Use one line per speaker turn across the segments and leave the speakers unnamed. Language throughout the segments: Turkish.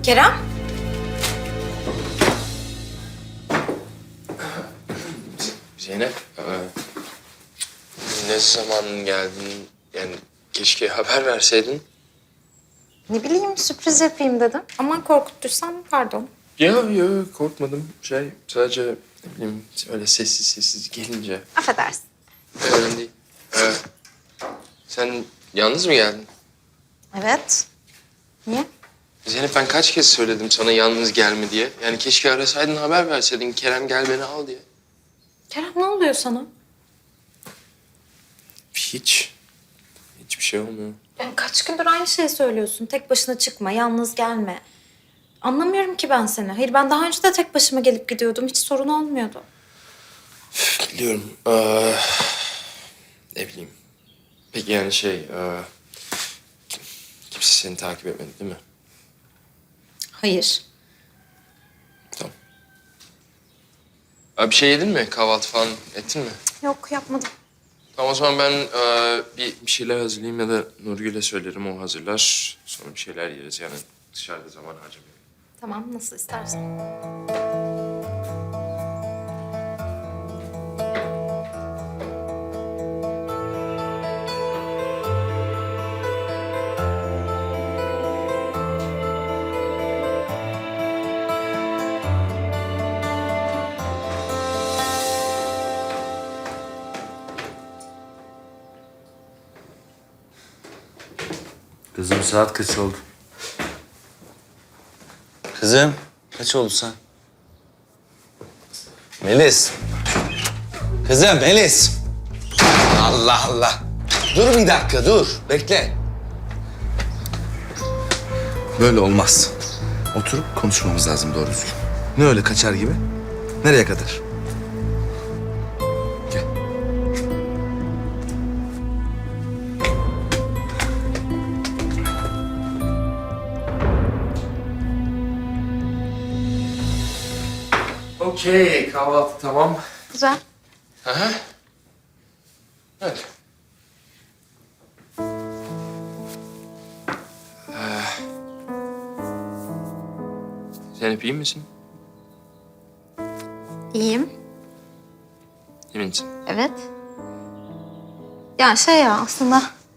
Kerem?
Zeynep, ne zaman geldin? Yani keşke haber verseydin.
Ne bileyim sürpriz yapayım dedim. Aman korkuttuysam pardon.
Yok korkmadım. Sadece ne bileyim öyle sessiz gelince.
Affedersin.
Öyle değil. Sen yalnız mı geldin?
Evet. Niye?
Zeynep ben kaç kez söyledim sana yalnız gelme diye. Yani keşke arasaydın haber verseydin Kerem gel beni al diye.
Kerem ne oluyor sana?
Hiçbir şey olmuyor.
Yani kaç gündür aynı şeyi söylüyorsun. Tek başına çıkma, yalnız gelme. Anlamıyorum ki ben seni. Hayır ben daha önce de tek başıma gelip gidiyordum. Hiç sorun olmuyordu.
Biliyorum. Ne bileyim. Peki yani kimse seni takip etmedi değil mi?
Hayır.
Tamam. Bir şey yedin mi? Kahvaltı falan ettin mi?
Yok yapmadım.
Tamam o zaman ben bir şeyler hazırlayayım ya da Nurgül'e söylerim o hazırlar. Sonra bir şeyler yeriz yani dışarıda zaman harcamayalım.
Tamam nasıl istersen.
Kızım saat kaç oldu? Kızım kaç oldu sen? Melis. Kızım Melis. Allah Allah. Dur bir dakika dur. Bekle. Böyle olmaz. Oturup konuşmamız lazım doğru düzgün. Ne öyle kaçar gibi? Nereye kadar? Gel.
Okey kahvaltı tamam.
Güzel.
Aha. Hadi. Zeynep iyi misin?
İyiyim.
İyi misin?
Evet. Ya aslında...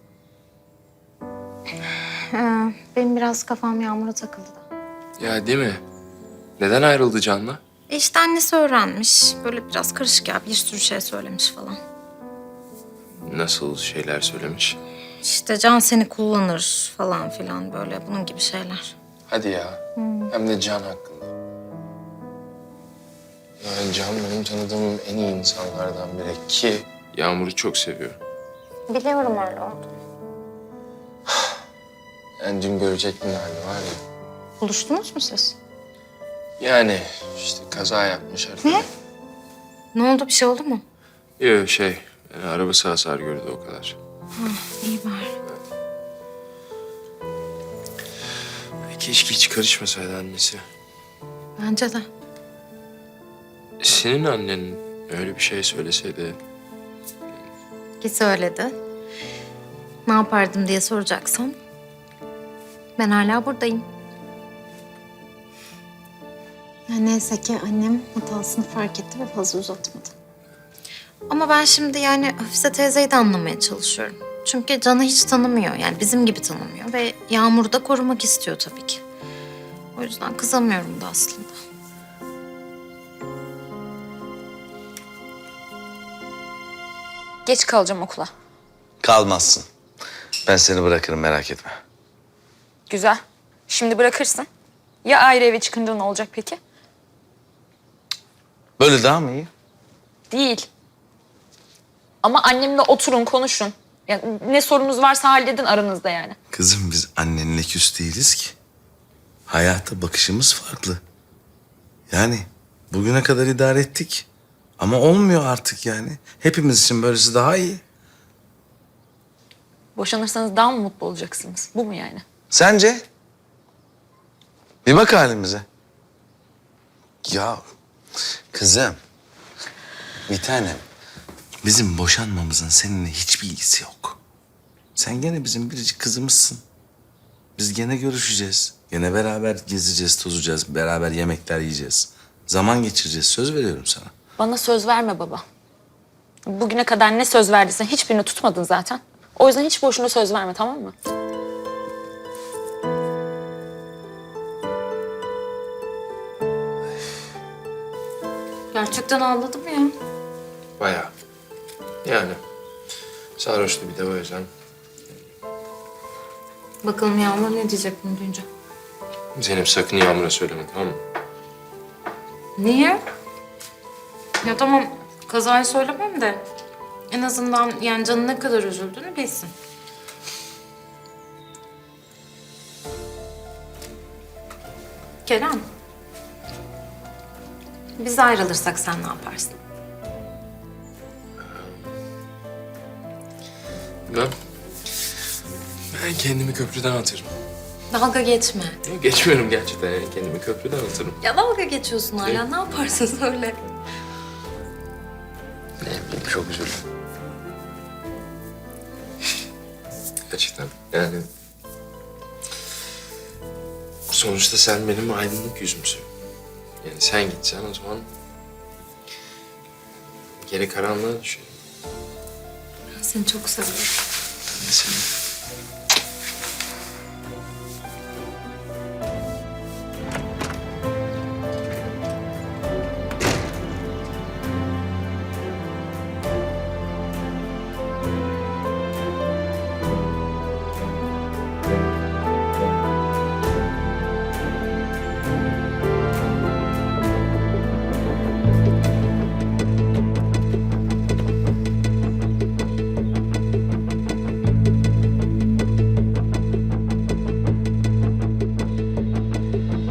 benim biraz kafam Yağmur'a takıldı da.
Ya değil mi? Neden ayrıldı Can'la?
İşte annesi öğrenmiş. Böyle biraz karışık ya. Bir sürü şey söylemiş falan.
Nasıl şeyler söylemiş?
İşte Can seni kullanır falan filan böyle bunun gibi şeyler.
Hadi ya. Hem de Can hakkında. Yani Can benim tanıdığım en iyi insanlardan biri ki Yağmur'u çok seviyor.
Biliyorum öyle oldu.
Yani dün görecektin hali var ya.
Buluştunuz mu siz?
Yani işte kaza yapmış artık.
Ne? Ne oldu bir şey oldu mu?
Yok yani arabası hasar gördü o kadar.
İyi bari.
Keşke hiç karışmasaydı annesi.
Bence de.
Senin annen öyle bir şey söyleseydi...
Ki söyledi. Ne yapardım diye soracaksan. Ben hala buradayım. Ya neyse ki annem hatasını fark etti ve fazla uzatmadı. Ama ben şimdi yani Hafize teyzeyi de anlamaya çalışıyorum. Çünkü Can'ı hiç tanımıyor. Yani bizim gibi tanımıyor. Ve Yağmur'u da korumak istiyor tabii ki. O yüzden kızamıyorum da aslında.
Geç kalacağım okula.
Kalmazsın. Ben seni bırakırım merak etme.
Güzel. Şimdi bırakırsın. Ya ayrı eve çıkınca ne olacak peki?
Böyle daha mı iyi?
Değil. Ama annemle oturun, konuşun. Ya ne sorunuz varsa halledin aranızda yani.
Kızım biz annenle küs değiliz ki. Hayata bakışımız farklı. Yani bugüne kadar idare ettik. Ama olmuyor artık yani. Hepimiz için böylesi daha iyi.
Boşanırsanız daha mı mutlu olacaksınız? Bu mu yani?
Sence? Bir bak halimize. Ya kızım, bir tanem. Bizim boşanmamızın seninle hiçbir ilgisi yok. Sen gene bizim biricik kızımızsın. Biz gene görüşeceğiz. Gene beraber gezeceğiz, tozacağız, beraber yemekler yiyeceğiz. Zaman geçireceğiz, söz veriyorum sana.
Bana söz verme baba. Bugüne kadar ne söz verdiysen hiçbirini tutmadın zaten. O yüzden hiç boşuna söz verme, tamam mı?
Gerçekten ağladım ya.
Bayağı. Yani sarhoştu bir de o yüzden.
Bakalım Yağmur ne diyecek bunu duyunca.
Zeynep sakın Yağmur'a söyleme, tamam mı?
Niye? Ya tamam kazayı söylemem de en azından yani canın ne kadar üzüldüğünü bilsin. Kerem. Biz ayrılırsak sen ne yaparsın?
Ben kendimi köprüden atarım.
Dalga geçme.
Yok, geçmiyorum gerçekten, yani kendimi köprüden atarım.
Ya dalga geçiyorsun hala. Ne yaparsın söyle.
Ne bileyim, çok üzüldüm. Gerçekten yani... Sonuçta sen benim aydınlık yüzümsün. Yani sen gitsen o zaman... Geri karanlığa düşerim.
Ben seni çok seviyorum.
Ben de seni.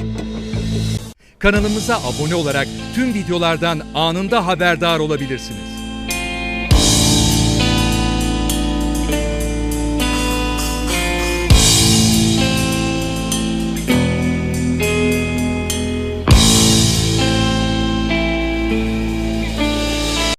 Kanalımıza abone olarak tüm videolardan anında haberdar olabilirsiniz.